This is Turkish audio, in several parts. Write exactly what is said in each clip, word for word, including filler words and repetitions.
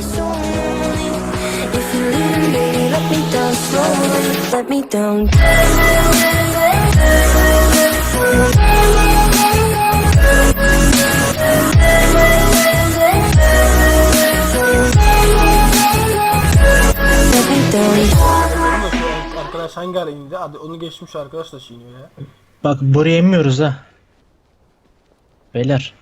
so lonely. If you're leaving, baby, let me down slowly. Let me down. Let me down. Arkadaş hangi ara indi? Hadi onu geçmiş arkadaş da çiğniyor ya. Bak buraya inmiyoruz ha. Beyler.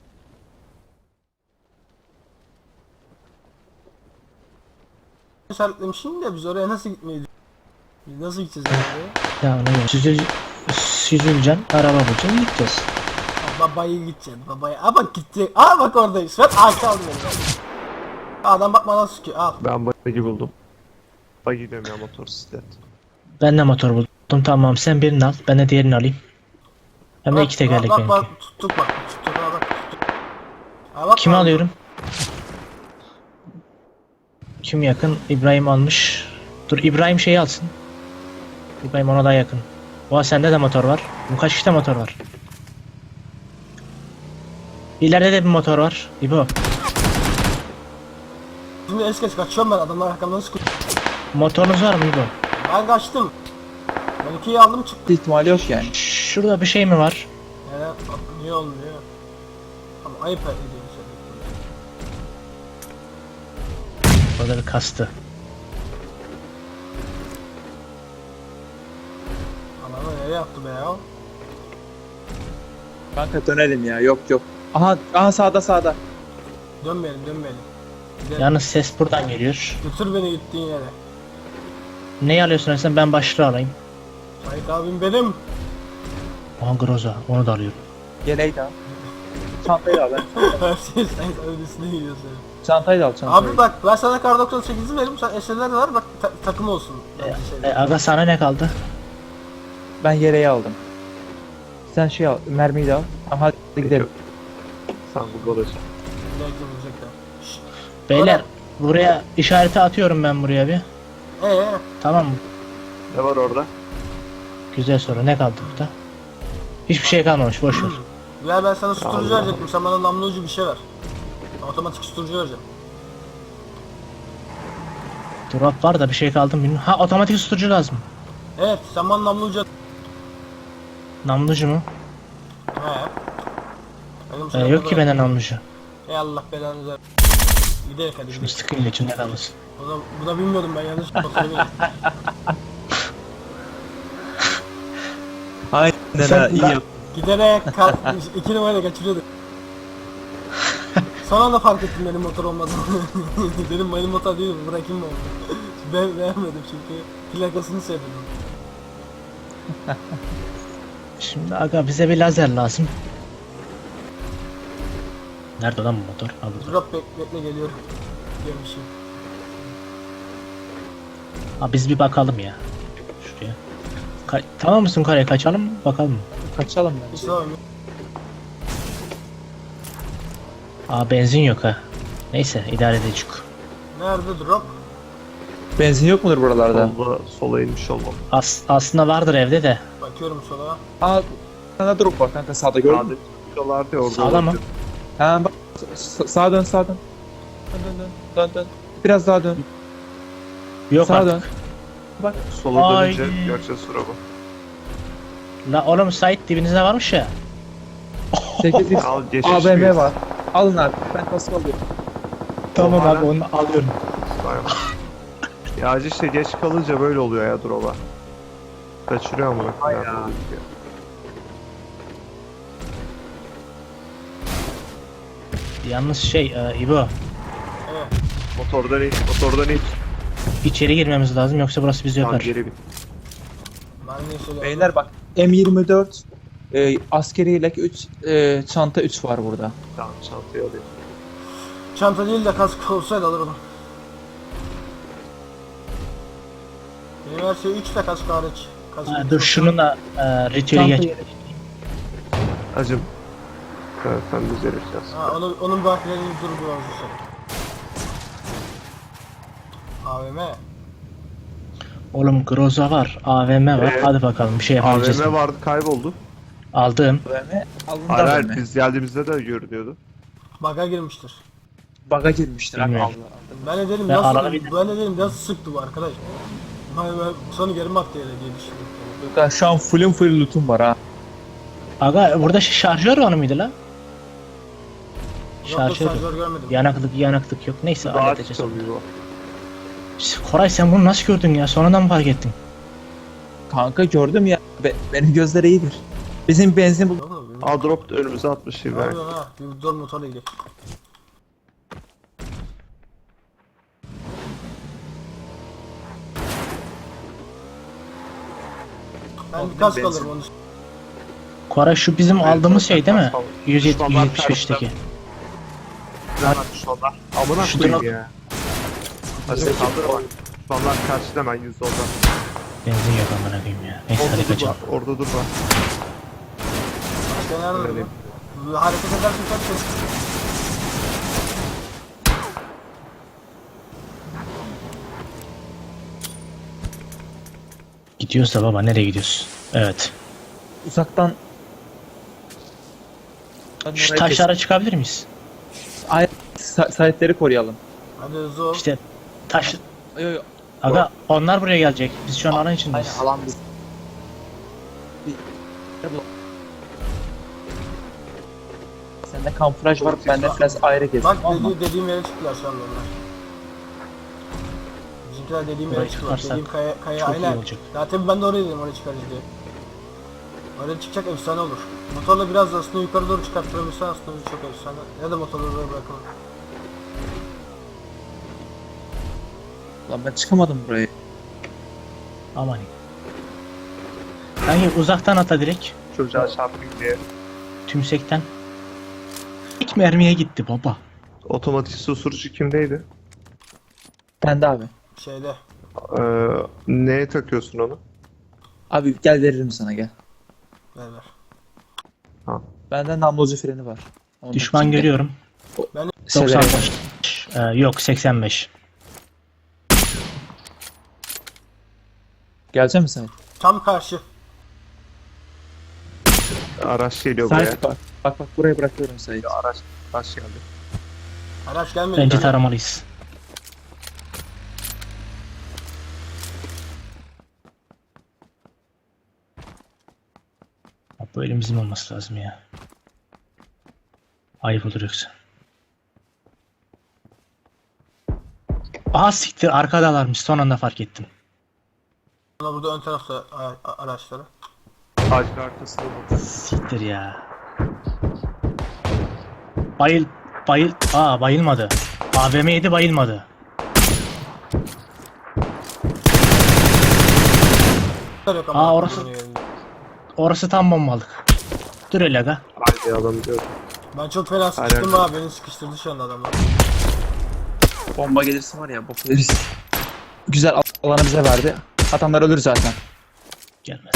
İşaretlemişim de biz oraya nasıl gitmeyi Biz nasıl gideceğiz oraya? Ya ona göre. Süzül, süzüleceksin. Araba bulacaksın. Gideceğiz. Babaya gideceksin babaya. Aa bak gitti. Aa bak oradayız. Ben ağaçta aldım beni. Adam bakmadan sıkıyor. Al. Ben buggy buldum. Buggy diyorum ya, motosiklet. Ben de motor buldum. Tamam sen birini al. Ben de diğerini alayım. Hem de Bak, iki tekerlek bak, benimki. bak, tuttuk bak. Tuttuk ha bak. Tuttuk. Ha, bak, Kimi bak. alıyorum? Kim yakın? İbrahim almış. Dur İbrahim şeyi alsın. İbrahim ona daha yakın. Oha sende de motor var. Bu kaç kişide motor var? İleride de bir motor var. İbo. Şimdi es geç kaçıyorum ben, adamlar arkamdan sıkıyor. Motorunuz var mı İbo? Ben kaçtım. Ben ikiyi aldım çıktım. İhtimali yok yani. Şurada bir şey mi var? Evet, bak, niye olmuyor? Ama ayıp ediyor şey. Orada bir kastı. Ananı nereye yaptı be ya? Kanka dönelim ya. Yok yok. Aha aha sağda sağda. Dönmeyelim dönmeyelim. Gidelim. Yalnız ses buradan geliyor. Götür beni gittiğin yere. Neyi alıyorsun sen? Ben başlığı alayım. Sait abim benim. Aha Groza. Onu da alıyorum. Yeleği de al. Çantayı da al ben. Her şey Sait abinin üstüne gidiyor senin. Çantayı da al çantayı. Abi bak ben sana kar doksan sekizi veririm, sen eserler de var bak, ta takım olsun. E, e, aga sana ne kaldı? Ben yeleği aldım. Sen şey al, mermiyi de al. Aha hadi gidelim. Sen bu balıcı. Beyler buraya işareti atıyorum ben buraya bir. Eee Tamam mı? Ne var orada? Güzel soru. Ne kaldı burada? Hiçbir şey kalmamış. Boş ver. ya ben sana susturucu Allah. verecektim, sen bana namlu ucu bir şey ver. Otomatik susturucu vereceğim. Drop var da bir şey kaldı mı bilmiyorum. Ha otomatik susturucu lazım. Evet sen bana namlu ucu at. Namlucu mu? He. Benim Ee, sana yok ki burada- benden namlucu. Ey Allah belanı ver. Gidelim hadi Şunu gidelim. sıkayım da içinde kalmasın. Bu da, bu da bilmiyordum ben, yanlış kontrolü. Aynen Sen- ha iyi ben- yap. Giderek kar, iki numarayla kaçırıyorduk. Son anda fark ettim benim motor olmadığını. Dedim benim motor değil, bırakayım mı onu? Ben beğenmedim çünkü plakasını sevdim. Şimdi aga bize bir lazer lazım. Nerede lan bu motor? Ha burada. Drop bek bekle geliyorum. Gelmişim. Ha biz bir bakalım ya. Şuraya. Ka tamam mısın karaya kaçalım mı? Bakalım mı? Kaçalım bence. İşte o. Aa benzin yok ha. Neyse idare edecek. Nerede drop? Benzin yok mudur buralarda? Solda, sola inmiş olmam. As aslında vardır evde de. Bakıyorum sola. Aa sana drop var kanka sağda gördün mü? Sağda çıkıyorlardı ya orada. Sağda mı? olabilir. Ha bak sa- sağa dön sağa dön. Dön dön dön dön dön. Biraz daha dön. Yok Sağa artık. dön. Bak Sola Ay. dönünce göreceğiz sıramı. La oğlum Sait dibinizde varmış ya. sekiz x Al geçiş A V M miyiz? var. Alın abi ben kask alıyorum. Tamam Hala- abi onu alıyorum. Aynen. Ya işte geç kalınca böyle oluyor ya drop'a. Kaçırıyor amına koyayım. Ay ya. Yalnız şey e, İbo Evet. Motordan in, motordan in. içeri girmemiz lazım yoksa burası bizi Tamam öper. geri bin. Ben ne söylüyorum? Beyler bak M yirmi dört e, askeri yelek üç e, çanta üç var burada. Tamam çantayı alayım. Çanta değil de kask olsaydı alırım. Benim her şey üç de kask hariç. Kask Ha, üç dur olsa- şununla e, ritüeli Çanta geç. Acım. Evet sen düzelireceğiz. Ha, onun, onun bakilerini dur biraz dışarı. A V M. Oğlum Groza var, A V M var. Ee, Hadi bakalım bir şey yapabileceğiz. A V M mi? vardı kayboldu. Aldım. A V M alın Hayır da hayır A V M. biz geldiğimizde de görünüyordu. Baga girmiştir. Baga girmiştir abi. Bilmiyorum. Allah. Ben de dedim Ben nasıl, arada bir- ben de dedim nasıl sıktı bu arkadaş. Ben, ben sonra geri mi attı yere diye düşündüm. Gökhan şu an full'ün full loot'um var ha. Aga burada ş- şarjör var mıydı la? Yok yok Şarjör yok. şarjör görmedim. Yanaklık yanaklık yok. Neyse Daha halledeceğiz onu. çıkamıyor. Koray sen bunu nasıl gördün ya? Sonradan mı fark ettin? Kanka gördüm ya. Be- benim gözler iyidir. Bizim benzin bul. Yok oğlum, Aa drop da önümüze atmış Ne İbrahim. yapıyorsun ha? Bir dur motorla gidelim. Ben Oğlum, bir kask benzin. alırım onu. Koray şu bizim Evet, aldığımız zaten şey değil mi? kask aldım. yüz yetmiş Düşmanlar yüz yetmiş beşteki. Güzel atmış onlar. Amına Şu koyayım drop- ya. Hadi kaldır bak. Düşmanlar karşıda hemen yüz orada. Benzin yok amına koyayım ya. Neyse Orada hadi dur kaçalım. bak. Orada dur bak. Başka nerede Öyle. durayım? Bu hareket edersin kaçacağız. Gidiyoruz da baba nereye gidiyoruz? Evet. Uzaktan. Ben Şu orayı taşlara çıkabilir miyiz? kes- Ay, sa- sahipleri koruyalım. Hadi hızlı ol. İşte taş... Yo yo. Aga onlar buraya gelecek. Biz şu an alan içindeyiz. Aynen alan biz. Bir... Sende kamuflaj var, bende biraz ayrı gezdim Bak ama. dedi, dediğim yere çıktılar şu anda onlar. Bizimkiler dediğim Buraya yere çıktılar. çıkarsak Dediğim kaya, kaya çok iyi aynen. olacak. Zaten ben de oraya dedim oraya çıkarız diye. Oraya çıkacak efsane olur. Motorla biraz da aslında yukarı doğru çıkarttırabilirsen aslında çok efsane. Ya da motorla buraya bırakalım. Lan ben çıkamadım buraya. Aman iyi. Kanki uzaktan ata direkt. Çocuğa çarpayım diye. Tümsekten. İlk mermiye gitti baba. Otomatik susturucu kimdeydi? Ben de abi. Şeyde. Ee, neye takıyorsun onu? Abi gel veririm sana gel. Ver ver. Bende namlucu freni var. Onu Düşman takacağım, gel. görüyorum. Severim. doksan beş. Ee, yok seksen beş. Gelecek misin Tam karşı. Araç geliyor sen? buraya. Sait bak. Bak bak buraya bırakıyorum Sait. Araç, araç geldi. Araç gelmedi. Bence daha. taramalıyız. Bak, bu elimizin olması lazım ya. Ayıp olur yoksa. Aha siktir arkadalarmış son anda fark ettim. Ama burada ön tarafta a- a- araçları. Ağacın arkasında burada. Siktir ya. Bayıl bayıl aa bayılmadı. A V M yedi bayılmadı. Yok ama Aa, orası- Orası tam bombalık. Dur öyle aga. Haydi adam diyor. Ben çok fena sıkıştım Aynen. ha. Beni sıkıştırdı şu anda adamlar. Bomba gelirse var ya bok yeriz. Güzel al- alanı bize verdi. Adamlar ölür zaten. Gelmez.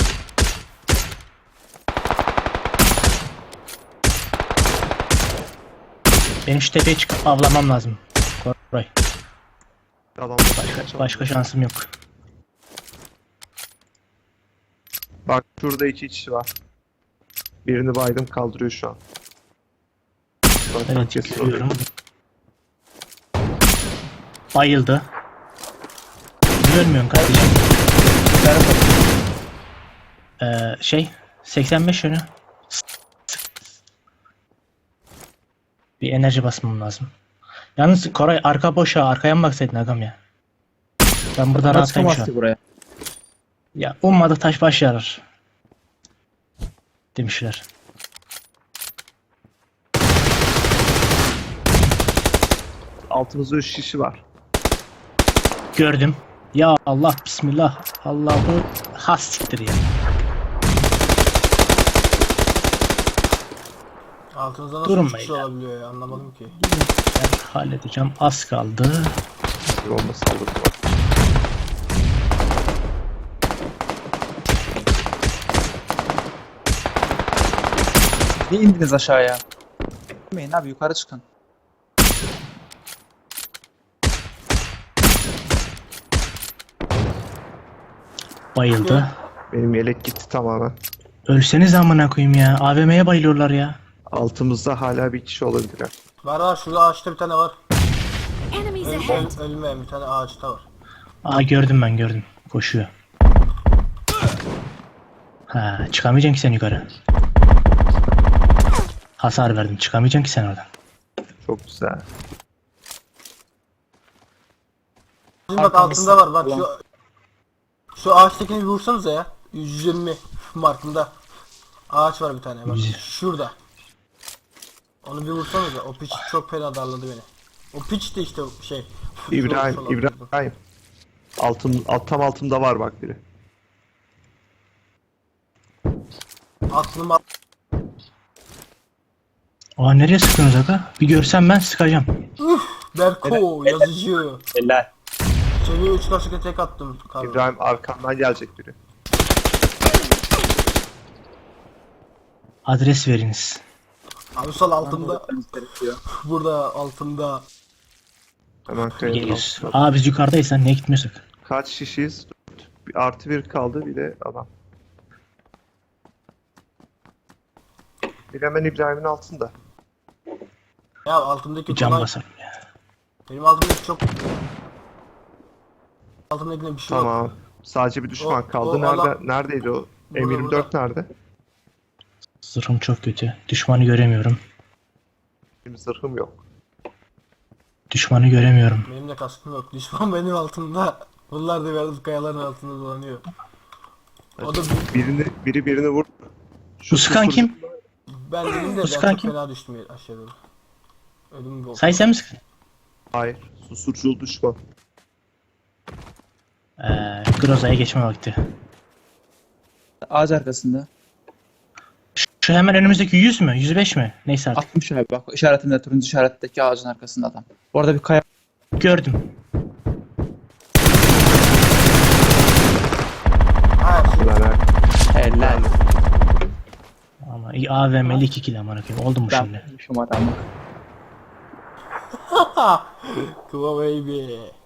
Benim şu tepeye çıkıp avlamam lazım. Koray. Adam Başka, başka şansım yok. Bak şurada iki kişi var. Birini baydım kaldırıyor şu an. Zaten Evet kesin görüyorum. Bayıldı. Görmüyorum kardeşim. Ee, şey seksen beş yönü. Bir enerji basmam lazım. Yalnız Koray arka boş ha. Arkaya mı baksaydın agam ya? Ben buradan Ama rahatlayayım çıkamaz şu an. ki buraya. Ya ummadık taş baş yarar. Demişler. Altımızda üç kişi var. Gördüm. Ya Allah bismillah. Allahu has siktir ya. Altımızda nasıl Durun üç kişi beyler. olabiliyor ya anlamadım ki. Ben halledeceğim. Az kaldı. Bir bomba saldırdı. Niye indiniz aşağıya? Bilmeyin abi yukarı çıkın. Bayıldı. Benim yelek gitti tamamen. Ölseniz amına koyayım ya. A V M'ye bayılıyorlar ya. Altımızda hala bir kişi olabilir. Var var, şurada ağaçta bir tane var. Enemies Öl, ahead. öl, ölmeyen bir tane ağaçta var. Aa gördüm ben gördüm. Koşuyor. Ha çıkamayacaksın ki sen yukarı. Hasar verdim. Çıkamayacaksın ki sen oradan. Çok güzel. Şimdi bak altında var bak şu şu ağaçtakini bir vursanıza ya. yüz yirmi markında. Ağaç var bir tane bak şurada. Onu bir vursanıza. O piç çok fena darladı beni. O piç de işte o şey. İbrahim, Sol- sol İbrahim. Altın, alt, tam altımda var bak biri. Aklım al- Aa nereye sıkıyorsunuz aga? Bir görsem ben sıkacağım. Berko yazıcı. Eller. Seviye üç kaşık tek attım. Karlı. İbrahim arkamdan gelecek biri. Adres veriniz. Abi sol altında. Gerekiyor. Burada altında. Hemen kayanın Geliyoruz. altında. Aa biz yukarıdayız lan niye gitmiyorsak? Kaç kişiyiz? Bir artı bir kaldı bir de adam. Bir hemen İbrahim'in altında. Ya altındaki Bir cam kolay. basarım ya. Benim altımdaki çok. Altımdakinde bir şey yok. Tamam. Sadece bir düşman O- kaldı. o Nerede? alan- Neredeydi o? Burada, M yirmi dört nerede? Zırhım çok kötü. Düşmanı göremiyorum. Benim zırhım yok. Düşmanı göremiyorum. Benim de kaskım yok. Düşman benim altımda. Bunlar da verdim kayaların altında dolanıyor. O da bir- Birini, biri birini vur. Şu sıkan susur- kim? ben dedim de ben Sıkan çok kim? fena düştüm aşağıda. Ödüm oldu. Say sen mi sıkın? Hayır. Susurcul düşman. Ee, Groza'ya geçme vakti. Ağaç arkasında. Şu hemen önümüzdeki yüz mü? yüz beş mi? Neyse artık. altmış abi bak işaretimde turuncu işaretteki ağacın arkasında adam. Orada bir kaya Gördüm. Ha, şu- Ulan ha. eller. Ama iyi A V M'li iki kill amına koyayım. Oldu mu şimdi? Ben şu adamı. Kıva baby.